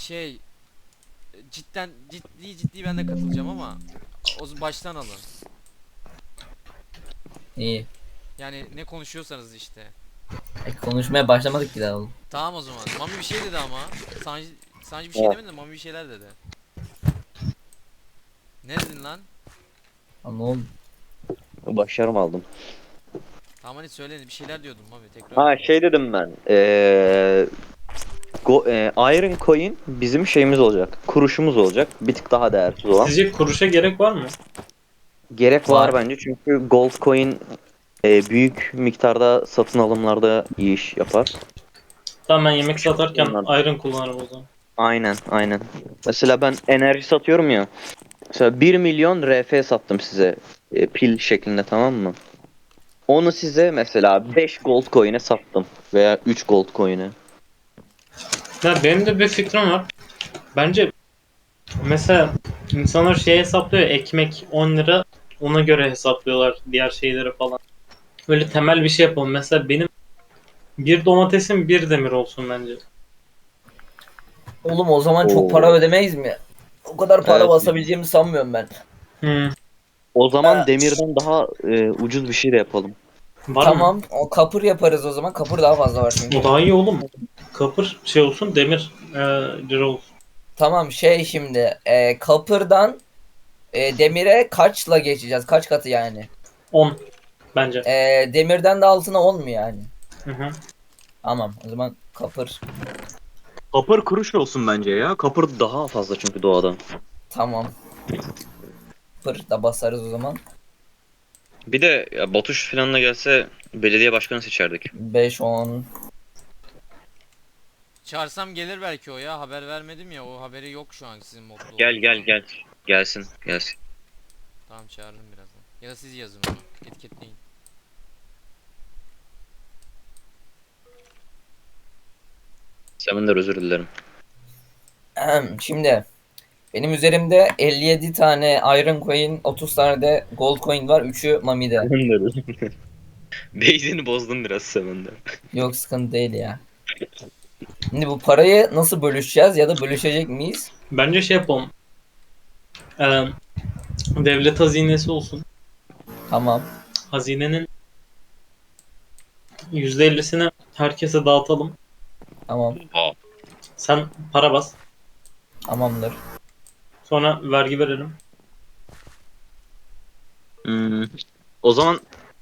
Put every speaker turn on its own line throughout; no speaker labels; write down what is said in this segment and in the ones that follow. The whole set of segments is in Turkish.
Şey, ciddi ben de katılacağım ama o baştan alın.
İyi.
Yani ne konuşuyorsanız işte.
Konuşmaya başlamadık ki daha oğlum.
Tamam o zaman. Mami bir şey dedi ama. Sancı bir şey
Evet.
demedi de Mami bir şeyler dedi. Ne dedin lan?
Ama oğlum.
Başarım aldım.
Tamam hadi söyle bir şeyler diyordun Mami tekrar.
Ha şey dedim ben. Iron Coin bizim şeyimiz olacak. Kuruşumuz olacak. Bir tık daha değersiz olan.
Sizce kuruşa gerek var mı?
Gerek var
Var.
bence çünkü Gold Coin büyük miktarda satın alımlarda iyi iş yapar.
Tamam, ben yemek satarken
Onlar-
iron kullanırım o zaman.
Aynen. Mesela ben enerji satıyorum ya. Mesela 1 milyon RF sattım size. Pil şeklinde, tamam mı? Onu size mesela 5 gold coin'e sattım. Veya 3 gold coin'e.
Ya benim de bir fikrim var. Bence mesela insanlar şey hesaplıyor, ekmek 10 lira, ona göre hesaplıyorlar diğer şeyleri falan. Böyle temel bir şey yapalım. Mesela benim bir domatesim bir demir olsun bence.
Oğlum o zaman çok
Oo.
para ödemeyiz mi? O kadar para
Evet.
basabileceğimi sanmıyorum ben.
Hmm.
O zaman demirden daha ucuz bir şey de yapalım.
Var mı?
Tamam, o kapır yaparız o zaman. Kapır daha fazla var çünkü.
O daha iyi oğlum. Kapır şey olsun, demir lira olsun.
Tamam şimdi kapırdan demire kaçla geçeceğiz? Kaç katı yani?
10 bence.
Demirden de altına 10 mu yani?
Hı hı.
Tamam o zaman kapır.
Kapır kuruş olsun bence ya. Kapır daha fazla çünkü doğadan.
Tamam. Kapır da basarız o zaman.
Bir de ya, Batuş falan da gelse belediye başkanı seçerdik.
5, 10.
Çağırsam gelir belki o ya. Haber vermedim ya. O haberi yok şu an sizin modda
Gel
olduğunuzdan.
gel. Gelsin.
Tamam çağırırım birazdan. Ya da siz yazın onu. Etiketleyin.
Seminder, özür dilerim.
Şimdi benim üzerimde 57 tane Iron Coin, 30 tane de Gold Coin var. 3'ü Mami'de.
Seminder, özür dilerim. Beynini bozdum biraz Seminder.
Yok sıkıntı değil ya. Şimdi bu parayı nasıl bölüşeceğiz ya da bölüşecek miyiz?
Bence şey yapalım. E, devlet hazinesi olsun.
Tamam.
Hazinenin %50'sini herkese dağıtalım.
Tamam.
Aa.
Sen para bas.
Tamamdır.
Sonra vergi verelim.
Hmm. O zaman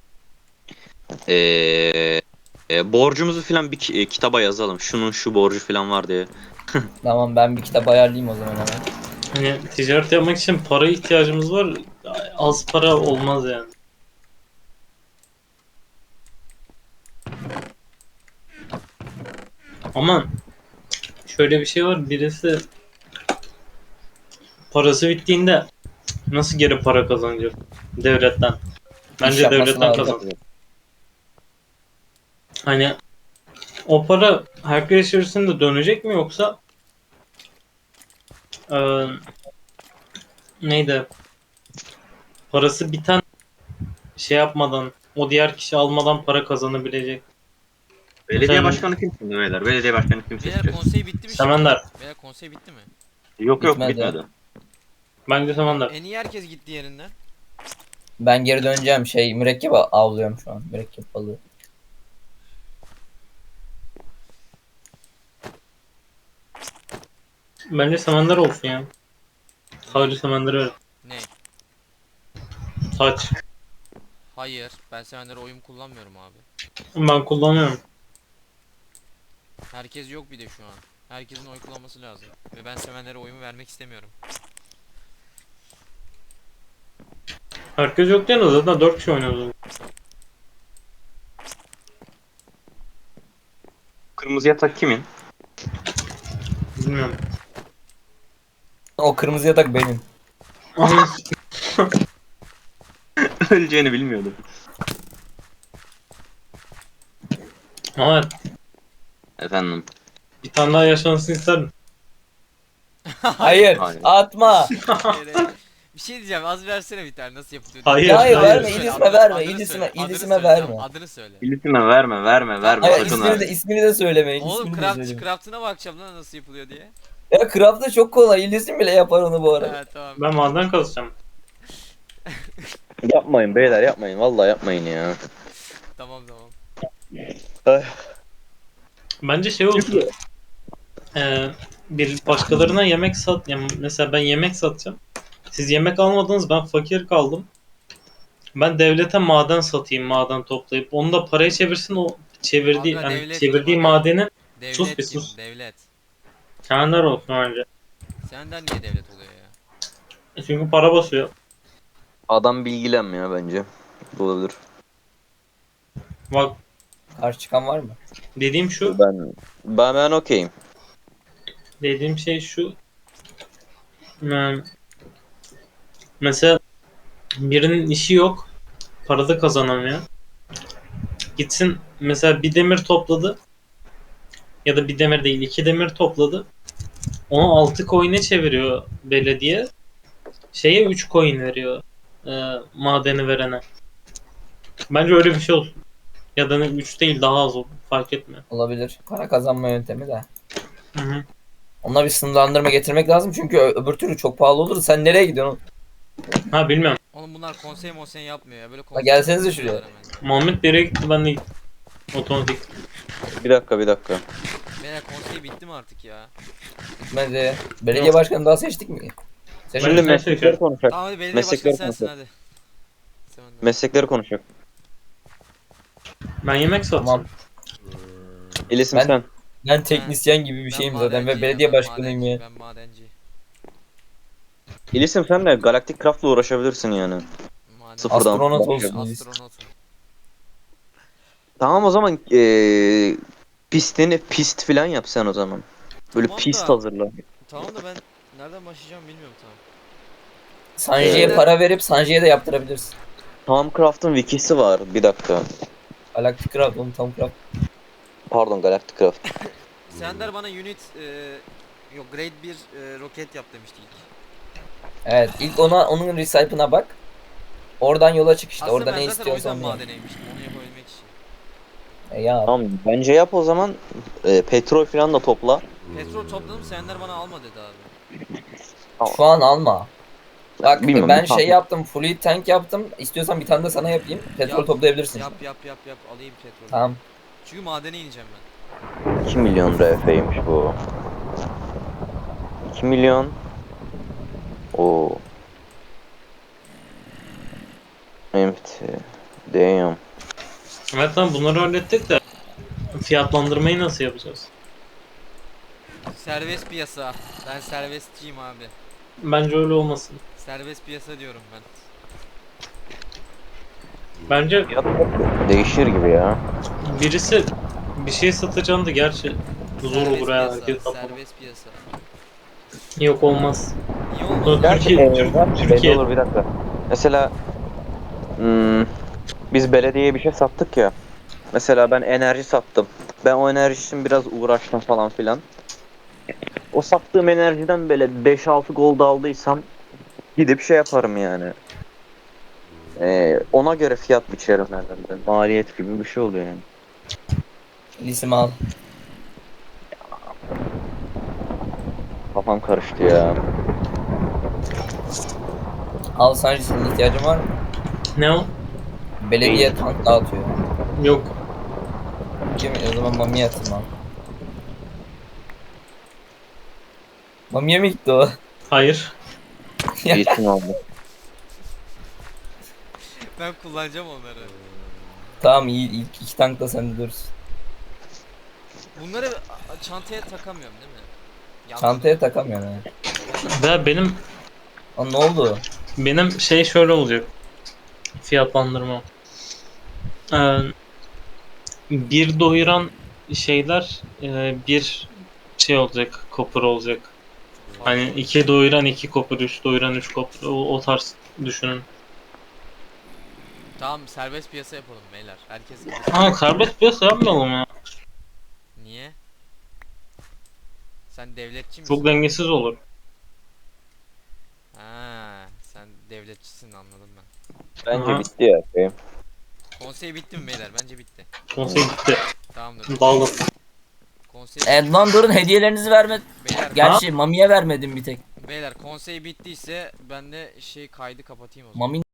borcumuzu falan bir kitaba yazalım. Şunun şu borcu falan var diye.
Tamam ben bir kitap ayarlayayım o zaman hemen.
Hani ticaret yapmak için para ihtiyacımız var. Az para olmaz yani. Ama şöyle bir şey var. Birisi parası bittiğinde nasıl geri para kazanacak? Devletten.
İş
Bence
yapması
devletten
lazım.
kazan. Hani o para herkes içerisinde dönecek mi, yoksa eee, neydi? Parası biten şey yapmadan, o diğer kişi almadan para kazanabilecek.
Belediye
Mesela
başkanı kim şimdi beyler? Belediye başkanı kim
Beyler
seçeceğiz?
konsey bitti mi şimdi?
Semender.
Beyler konsey bitti mi?
Yok
Bitmedi.
bitmedi.
Bence Semender.
En iyi herkes gitti yerinden.
Ben geri döneceğim. Mürekkep avlıyorum şu an. Mürekkep balığı.
Bence Semender olsun ya. Sadece Semender'e ver.
Ne?
Saç.
Hayır. Ben Sevenlere oyum kullanmıyorum abi.
Ben kullanıyorum.
Herkes yok bir de şu an. Herkesin oy kullanması lazım. Ve ben Sevenlere oyumu vermek istemiyorum.
Herkes yok diye de zaten 4 kişi oynuyordu.
Kırmızı yatak kimin?
Bilmiyorum.
O kırmızı yatak benim.
Öleceğini bilmiyordum.
Ama
Efendim.
bir tane daha yaşansın isterim.
Hayır.
Hayır.
Atma.
Yere- Bir şey diyeceğim, az versene bir tane nasıl yapılıyor.
Hayır,
diye.
hayır,
Adını
verme,
söyle,
İlisime
adını-
verme,
adını
İlisime-
söyle, adını
İlisime
söyle,
verme.
tamam, adını söyle.
İlisime verme verme verme
Hayır,
sakın
ismini de söylemeyin.
Oğlum
ismini de
craft,
söylemeyin.
craft'ına bakacağım lan nasıl yapılıyor diye.
Ya craft da çok kolay. İlisim bile yapar onu bu arada.
Evet tamam.
Ben maden kazacağım.
Yapmayın beyler yapmayın. Vallahi yapmayın ya.
Tamam tamam.
Bence şey olsun. Bir başkalarına yemek sat. Yani mesela ben yemek satacağım. Siz yemek almadınız, ben fakir kaldım. Ben devlete maden satayım, maden toplayıp onu da paraya çevirsin, o çevirdiği
Aga,
yani
devlet
çevirdiği
kim aga?
madeni sus
Devlet
bir
kim?
sus.
Devlet.
Kendiler olsun önce.
Senden niye devlet oluyor ya?
Çünkü para basıyor.
Adam bilgilenmiyor bence. Bu olabilir.
Bak
Karşı çıkan var mı?
dediğim şu,
Ben okeyim.
dediğim şey şu. Yani mesela birinin işi yok, para da kazanamıyor. Gitsin mesela bir demir topladı ya da bir demir değil, iki demir topladı. Onu 6 coin'e çeviriyor belediye. Şeye 3 coin veriyor. Madeni verene. Bence öyle bir şey olsun. Ya da 3 değil, daha az olur. Fark etmiyor.
Olabilir. Para kazanma yöntemi de.
Hı hı.
Ona bir sınırlandırma getirmek lazım çünkü öbür türlü çok pahalı olur. Sen nereye gidiyorsun?
Ha bilmiyorum.
Oğlum bunlar konsey monsey yapmıyor ya. Böyle
La
konsey
gelsenize şuraya.
yapıyorlar hemen.
Muhammed bir yere gitti, ben de gittim. Otomatik.
Bir dakika.
Beyler konsey bitti mi artık ya?
Gitmedi. Belediye başkanı daha seçtik mi? Seçtik.
Şimdi
sen
meslekleri
seçiyorum.
konuşacak.
Tamam hadi belediye
Meslekleri
başkanı sensin hadi. Sen de.
Meslekleri konuşacak.
Ben yemek satacağım.
Tamam.
İlisim
Ben-
sen.
Ben teknisyen gibi bir
Ben
şeyim zaten ve
madenciyim,
belediye
ben
başkanıyım
madenci,
ya.
Ben madenci.
İlisim sen de Galaktik Craft'la uğraşabilirsin yani.
Madenci.
Sıfırdan.
Astronot
başlayalım.
olsun.
Astronotum.
Tamam o zaman pist falan yap sen o zaman. Böyle
Tamam
pist
da-
hazırla.
Tamam da ben nereden başlayacağım bilmiyorum tamam.
Sanji'ye para verip Sanji'ye de yaptırabilirsin.
Tam Craft'ın wikisi var. Bir dakika.
Galactic Craft, onu tam craft.
Pardon Galactic Craft.
Sender bana unit yok grade 1 roket yap demişti ilk.
Evet, ilk onun recipe'ına bak. Oradan yola çık işte.
Aslında
Orada
ben
ne
zaten o yüzden
istiyorsan yap.
madene inmiştim onu yapabilmek için.
Ya
Tamam bence yap o zaman. Petrol falan da topla.
Petrol topladım Sender bana alma dedi abi.
şu an alma. Bak
Bilmiyorum,
ben
tamam.
şey yaptım. Full tank yaptım. İstiyorsan bir tane de sana yapayım. Petrol
Yap,
toplayabilirsin.
Yap alayım petrol.
Tamam.
Çünkü madene ineceğim ben.
2 milyon RF'ymiş bu. 2 milyon. Oo. Evet. Damn.
Evet tamam, bunları hallettik de fiyatlandırmayı nasıl yapacağız?
Serbest piyasa. Ben serbestçiyim abi.
Bence öyle olmasın.
Serbest piyasa diyorum ben.
Bence
Değişir gibi ya.
birisi bir şey satacağını da gerçi zor
Serbest
olur ya.
piyasa,
Herkes kapalı.
serbest piyasa.
Yok olmaz.
Niye olmaz?
Gerçi- Türkiye.
Belli olur bir dakika. Mesela biz belediyeye bir şey sattık ya. Mesela ben enerji sattım. Ben o enerji için biraz uğraştım falan filan. O sattığım enerjiden böyle 5-6 gold aldıysam gidip şey yaparım yani. Ona göre fiyat biçerim herhalde. Maliyet gibi bir şey oluyor yani.
İsim al.
Kafam karıştı ya.
Al Sanji, senin ihtiyacın var mı?
Ne o?
Belediye tank dağıtıyor.
Yok.
Değil mi? O zaman Mami'ye atayım al. Mami'ye mi gitti o?
Hayır.
İyisin oldu.
Ben kullanacağım onları.
Tamam, iyi, ilk iki tank da sende dursun.
Bunları çantaya takamıyorum değil mi? Yanlış.
Çantaya takamıyorsun ha.
Ve
Lan ne oldu?
benim şey şöyle olacak. Fiyatlandırma. Ee, bir doyuran şeyler bir şey olacak. Copper olacak. Hani 2 doyuran 2 copper, 3 doyuran 3 copper. O tarz düşünün.
Tamam serbest piyasa yapalım beyler. Herkes
Ha, serbest piyasa yapmayalım ya.
Niye? Sen devletçi misin?
Çok dengesiz olur.
Ha, sen devletçisin, anladım ben.
Bence
Aha.
bitti ya. Şey.
Konsey bitti mi beyler? Bence bitti.
Konsey gitti.
Tamamdır.
Dağılın.
Konsey
Lan durun, hediyelerinizi verme.
beyler,
Gerçi Mami'ye vermedim bir tek.
beyler konsey bittiyse ben de kaydı kapatayım o zaman.
Mami